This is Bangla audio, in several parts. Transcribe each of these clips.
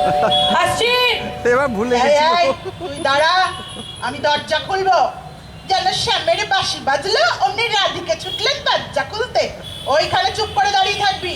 আসছি। এবার ভুলে গেছি। তুই দাঁড়া, আমি দরজা খুলবো। যেন শ্যামের বাঁশি বাজলো অমনি রাধিকে ছুটলেন দরজা খুলতে। ওইখানে চুপ করে দাঁড়িয়ে থাকবি।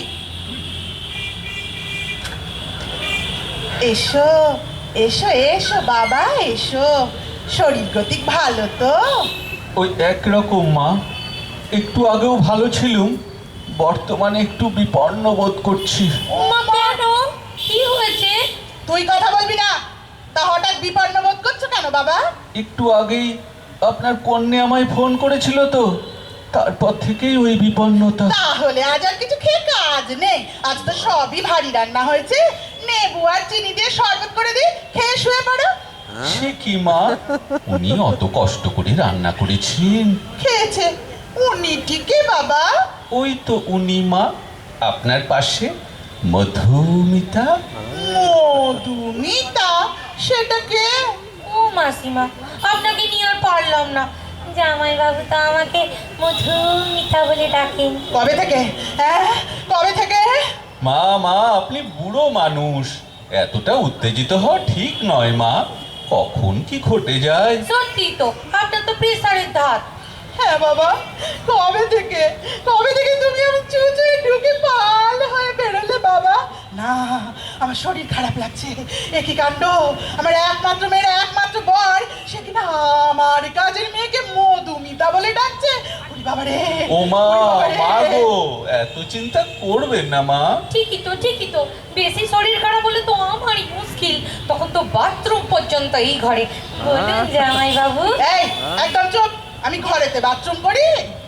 এসো এসো এসো বাবা এসো। শরীর গতিক ভালো তো? ওই একরকম মা, একটু আগেও ভালো ছিলুম, বর্তমানে একটু বিপন্ন বোধ করছি। কেন, কি হয়েছে? তুই কথা বলবি না। তা হঠাৎ বিপন্ন বোধ করছো কেন বাবা? একটু আগেই আপনার কন্যা আমায় ফোন করেছিল তো, তারপর থেকেই ওই বিপন্নতা। তাহলে আজ আর কিছু খেয়ে কাজ নেই। আজ তো সবই ভারী রান্না হয়েছে। নেবু আর চিনি দিয়ে শরবত করে দিই, খেয়ে শুয়ে পড়ো। সে কি মা, উনি অত কষ্ট করে রান্না করেছেন। খেয়েছে উনি ঠিকই বাবা। ওই তো উনি মা, আপনার পাশে মধুমিতা। মধুমিতা? সেটা কে? ও মাসিমা, আপনাকে নিয়ে আর পারলাম না। জামাই বাবু তো আমাকে মধুমিতা বলে ডাকেন। কবে থেকে? হ্যাঁ, কবে থেকে? মা মা, আপনি বুড়ো মানুষ, এতটা উত্তেজিত হওয়া ঠিক নয় মা। কখন কি ঘটে যায়। সত্যি তো, আপনার তো প্রেসারের ধাত। হ্যাঁ বাবা, কবে থেকে? কবে থেকে তুমি আমার চুচুয়ে ঢুকে পাল হয়ে বেরোলে বাবা? না, আমার শরীর খারাপ লাগছে। একই কাণ্ড, আমার একমাত্র মেয়ের একমাত্র বর, সে কিনা আমার কাজের মেয়েকে মধুমিতা বলে ডাকছে। ওরে বাবা রে! ও মা, ওরে বাবা রে! মা গো, এত চিন্তা করবেন না মা। ঠিকই তো, বেশি শরীর খারাপ হলে তো আমারই মুশকিল। তখন তো বাথরুম পর্যন্ত এই ঘরে। বলুন জামাই বাবু। এই, একদম চুপ। আমি ঘরেতে বাথরুম করি?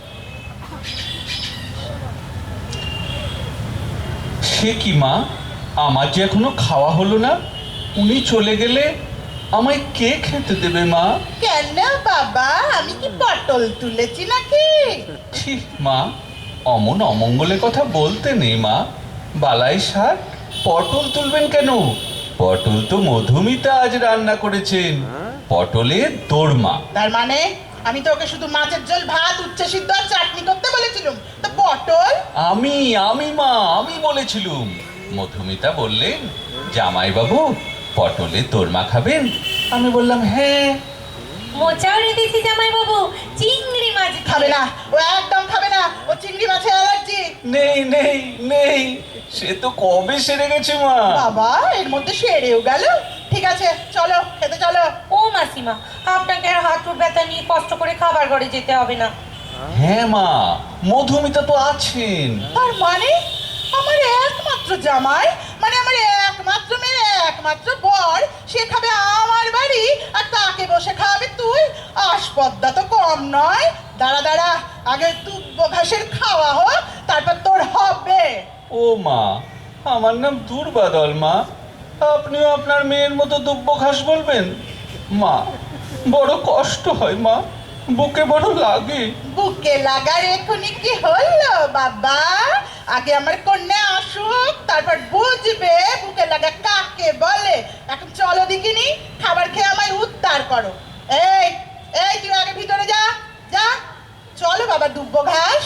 সে কি মা, আমার যে এখনো খাওয়া হলো না, উনি চলে গেলে আমায় কে খেতে দেবে মা? কেন বাবা, আমি কি পটল তুলেছি নাকি? ছি মা, অমন অমঙ্গলের কথা বলতে নেই মা। বালাই শাক, পটল তুলবেন কেন? পটল তো মধুমিতা আজ রান্না করেছেন, পটলের দোরমা। তার মানে আমি তো ওকে শুধু মাছের ঝোল, ভাত, উচ্ছে সিদ্ধ আর চাটনি করতে বলেছিলাম, তো পটল? আমি মা, আমি বলেছিলুম। মধুমিতা বললেন, জামাইবাবু পটলের দোরমা খাবেন? আমি বললাম হ্যাঁ। মোচাও রেঁধেছি জামাই বাবু, চিংড়ি মাছ দিয়ে। খাবে না, ও একদম খাবে না। ও চিংড়ি মাছে অ্যালার্জি। নেই নেই নেই, সে তো কবে সেরে গেছে মা। বাবা, এর মধ্যে সেরেও গেল। ঠিক আছে, চলো খেতে চলো। ও মাসিমা, আপনাকে আর হাঁটুর ব্যথা নিয়ে কষ্ট করে খাবার ঘরে যেতে হবে না। হ্যাঁ মা, মধুমিতা তো আছেন। তার মানে আমার একমাত্র জামাই, মানে আমার একমাত্র মেয়ে, একমাত্র বর, সে খাবে আমার বাড়ি আর তাকে বসে খাওয়াবে তুই? আসপদ্দা তো কম নয়। দাঁড়া দাঁড়া, আগে দুব্ব ঘাসের খাওয়া হোক, তারপর তোর হবে। ও মা, আমার নাম দুর্বাদল মা, আপনিও আপনার মেয়ের মতো দুব্ব ঘাস বলবেন? মা, বড় কষ্ট হয় মা, বুকে বড় লাগে। বুকে লাগার এখনই কি হলো বাবা? আগে আমার কন্যা আসুক, তারপর বুঝবে বুকে লাগা কাকে বলে। এখন চলো দেখিনি, খাবার খেয়ে আমায় উদ্ধার করো। এই এই, তুই আগে ভিতরে যা যা। চলো বাবা দুব্ব ঘাস।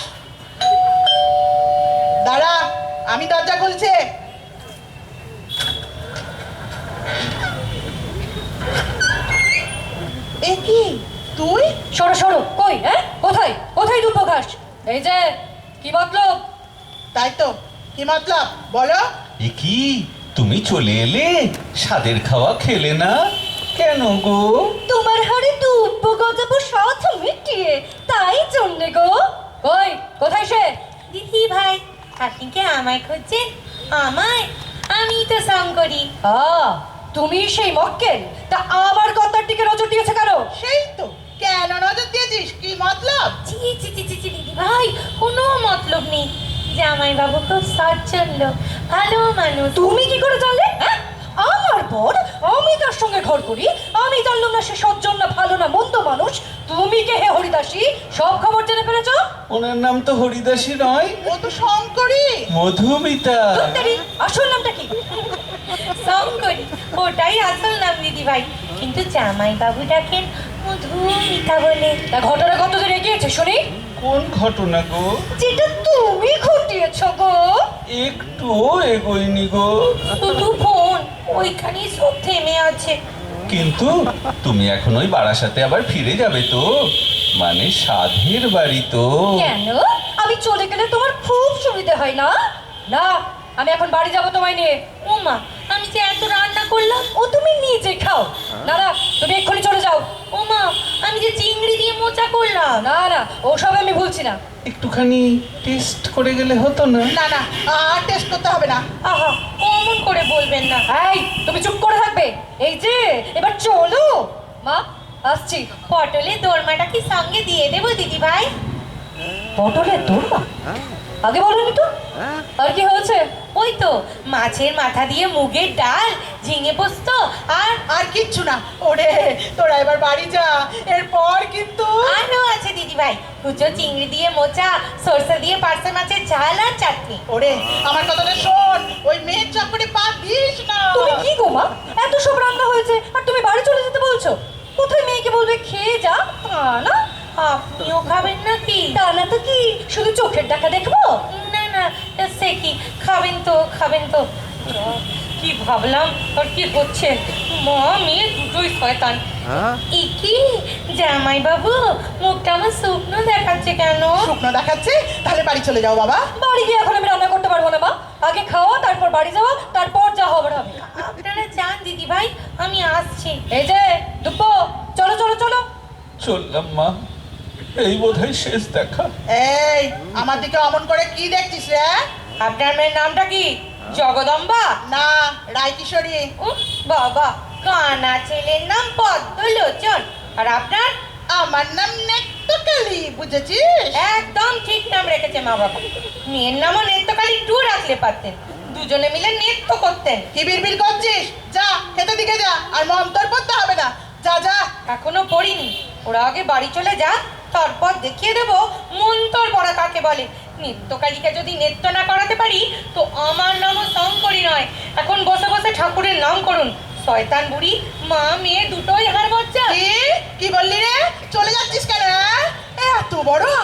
দাঁড়া, আমি দরজা খুলছে। এ কি তুই? সরো সরো, কই? হ্যাঁ, কোথায় কোথায় দুব্ব ঘাস? এই যে, কি মতলব? তাই তো, কি মতলব বলো? এ কি, তুমি চলে এলে, স্বাদের খাওয়া খেলে না কেন গো? তোমার হাড়ে দুব্ব গজাবো সাথ মিটিয়ে, তাই জন্যে গো। কই, কোথায় সে? দিদি ভাই, আপনি কি আমায় খুঁজছেন? আমায়? আমি তো শঙ্করী। তুমি সেই মক্কেল? তা আমার কথার দিকে নজর দিয়েছে কেন? সেই তো, কেন নজর দিয়েছিস? কি মতলব? ছি ছি ছি ছি ছি, দিদি ভাই, কোনো মতলব নেই। জামাই বাবু খুব সচ্ছল, ভালো মানুষ। তুমি কি করে জানলে? হ্যাঁ, আমার বর, আমি তার সঙ্গে ঘর করি, আমি জানলাম না সে সজ্জন না ভালো না মন্দ মানুষ? তুমি কে হে হরিদাসী, সব খবর জেনে ফেলেছ? ওনার নাম তো হরিদাসী নয়, ও তো শঙ্করী। মধুমিতা। ধুত্তেরি, আসল নামটা কি? শঙ্করী, ওটাই আসল নাম দিদি ভাই, কিন্তু জামাই বাবু ডাকেন মধুমিতা বলে। তা ঘটনা কতদূর এগিয়েছে শুনি? কোন ঘটনা গো? যেটা তুমি ঘটিয়েছ গো। একটু এগোয়নি গো। শুধু ফোন ওইখানেই সব থেমে আছে। কিন্তু তুমি এখন ওই বারাসাতে আবার ফিরে যাবে তো? মানে সাধের বাড়ি তো। কেন? আমি চলে গেলে তোমার খুব সুবিধা হয় না? না, আমি এখন বাড়ি যাবো তোমায় নিয়ে। ও মা, আমি যে এত রান্না করলাম, ও তুমি নিজে খাও। না না, তুমি এক্ষুনি চলে যাও। ও মা, আমি যে চিংড়ি দিয়ে মোচা করলাম। না না, ওসব আমি ভুলছি না। একটুখানি টেস্ট করে গেলে হতো না? না না, আর টেস্ট করতে হবে না। আহা, অমন করে বলবেন না। এই, তুমি চুপ করে থাকবে। এই যে, এবার চলো। মা, আসছি। পটলের দোরমাটা কি সঙ্গে দিয়ে দেবো দিদি ভাই? পটলের দোরমা? আগে বলনি তো। আর কি হয়েছে? ওই তো মাছের মাথা দিয়ে মুগের ডাল, ঝিঙে পোস্ত আর আর কিচ্ছু না। ওরে তোরা এবার বাড়ি যা, এরপর কিন্তু আরও আছে দিদি ভাই। কুচো চিংড়ি দিয়ে মোচা, সরষে দিয়ে পার্সে মাছের ঝাল আর চাটনি। ওরে আমার কথাটা শোন, ওই মেয়ের চক্করে পা দিস না। তুমি কি গো মা, এত সব রান্না হয়েছে আর তুমি বাড়ি চলে যেতে বলছো? কোথায় মেয়েকে বলবে খেয়ে যা? তা না। আপনিও খাবেন নাকি? তা না তো কি, শুধু চোখের দেখা দেখবো? না না, সে কি, খাবেন তো খাবেন তো। কি ভাবলাম আর কি হচ্ছে। মা মেয়ে দুটোই শয়তান। কি জামাই বাবু, মুখটা আমার শুকনো দেখাচ্ছে কেন? শুকনো দেখাচ্ছে? তাহলে বাড়ি চলে যাও বাবা। বাড়ি গিয়ে এখন আমি রান্না করতে পারবো না মা। আগে খাওয়া, তারপর বাড়ি যাওয়া, তারপর যা হবার হবে। আপনারা যান দিদি ভাই, আমি আসছি। এই যে দুপ্পো, চলো চলো চলো। চললাম মা, এই বোধহয় শেষ দেখা। এই আমার দিকে অমন করে কি দেখছিস রে? আপনার মেয়ের নামটা কি? জগদম্বা? না, রায়কিশোরী। উফ, বাবা, কানা ছেলের নাম পদ্মলোচন। আর আপনার? আমার নাম নেত্রকালী, বুঝেছিস? একদম ঠিক নাম রেখেছে মা বাবা। মেয়ের নামও নেত্রকালী টু রাখলে পারতেন, দুজনে মিলে নৃত্য করতেন। কি বিড়বিড় করছিস? যা খেতে দিকে যা, আর মন্তর পড়তে হবে না। যা যা। এখনো পড়িনি, ওরা আগে বাড়ি চলে যা, তারপর দেখিয়ে দেবো মন্তর পড়া কাকে বলে। নৃত্যকালীকে যদি নৃত্য না করাতে পারি তো আমার নামও শঙ্করী নয়। এখন বসে বসে ঠাকুরের নাম করুন। শয়তান বুড়ি, মা মেয়ে দুটোই হার মজ্জা। কি কি বললি রে? চলে যাচ্ছিস কেন? এত বড়